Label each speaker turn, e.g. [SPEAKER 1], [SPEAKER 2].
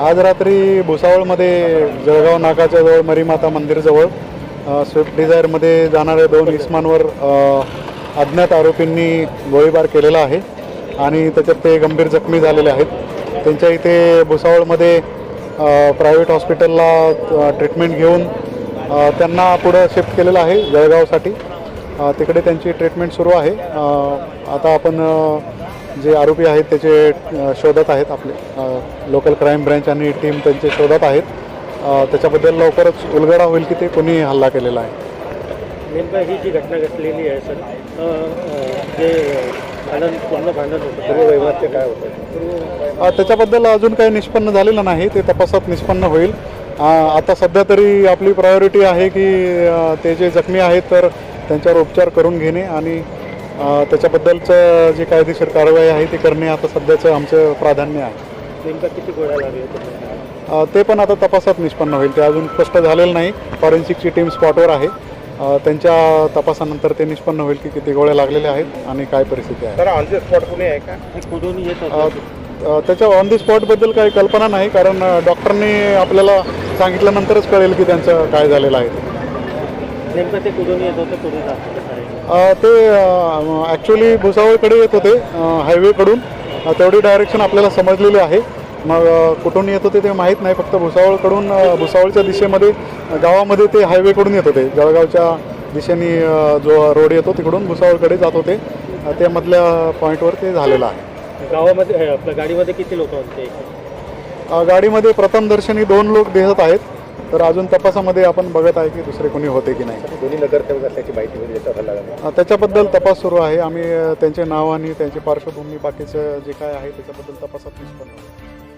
[SPEAKER 1] आज रात्री भुसावळमध्ये जळगाव नाकाच्या जवळ मरीमाता मंदिरजवळ स्विफ्ट डिझायरमध्ये जाणाऱ्या 2 इसमांवर अज्ञात आरोपींनी गोळीबार केलेला आहे आणि त्याच्यात ते गंभीर जखमी झालेले आहेत। त्यांच्या इथे भुसावळमध्ये प्रायव्हेट हॉस्पिटलला ट्रीटमेंट घेऊन त्यांना पुढं शिफ्ट केलेलं आहे जळगावसाठी। तिकडे त्यांची ट्रीटमेंट सुरू आहे। आता आपण जे आरोपी आहेत त्याचे शोधत आहेत, आपले लोकल क्राईम ब्रँच आणि टीम त्यांचे शोधत आहेत। त्याच्याबद्दल लवकरच उलगडा होईल की ते कोणी हल्ला केलेला आहे।
[SPEAKER 2] नेमकं ही जी घटना घडलेली आहे सर, जे पूर्ण भांडण होतं पूर्व वैवाद काय होतं
[SPEAKER 1] त्याच्याबद्दल अजून काही निष्पन्न झालेलं नाही, ते तपासात निष्पन्न होईल। आता सध्या तरी आपली प्रायोरिटी आहे की ते जे जखमी आहेत तर त्यांच्यावर उपचार करून घेणे आणि त्याच्याबद्दलचं जी कायदेशीर कारवाई आहे ती करणे आता सध्याचं आमचं प्राधान्य आहे।
[SPEAKER 2] नेमका किती गोळ्या लागल्या
[SPEAKER 1] ते पण आता तपासात निष्पन्न होईल, ते अजून स्पष्ट झालेलं नाही। फॉरेन्सिकची टीम स्पॉटवर आहे, त्यांच्या तपासानंतर ते निष्पन्न होईल की किती गोळ्या लागलेल्या आहेत आणि काय परिस्थिती आहे।
[SPEAKER 2] तर ऑन द स्पॉट कुणी आहे का, कुठून येत होतं
[SPEAKER 1] त्याच्या ऑन दी स्पॉटबद्दल काही कल्पना नाही, कारण डॉक्टरनी आपल्याला सांगितल्यानंतरच कळेल की त्यांचं काय झालेलं आहे।
[SPEAKER 2] नेमकं ते कुठून येत होतं, कुठून जात होतं?
[SPEAKER 1] ते ॲक्च्युली भुसावळकडे येत होते हायवेकडून, तेवढी डायरेक्शन आपल्याला समजलेली आहे। मग कुठून येत होते ते माहीत नाही, फक्त भुसावळकडून भुसावळच्या दिशेमध्ये गावामध्ये ते हायवेकडून येत होते। जळगावच्या दिशेने जो रोड येतो तिकडून भुसावळकडे जात होते, त्या मधल्या पॉईंटवर ते झालेलं आहे।
[SPEAKER 2] गावामध्ये आपल्या गाडीमध्ये किती लोक होते?
[SPEAKER 1] गाडीमध्ये प्रथमदर्शनी 2 लोक दिसत आहेत, तर अजून तपासामध्ये आपण बघत आहे की दुसरे कोणी होते की नाही।
[SPEAKER 2] दोन्ही नगरसेवक असल्याची माहिती मिळते,
[SPEAKER 1] त्याच्याबद्दल तपास सुरू आहे। आम्ही त्यांचे नाव आणि त्यांची पार्श्वभूमी बाकीचं जे काय आहे त्याच्याबद्दल तपासात निष्पन्न होतो।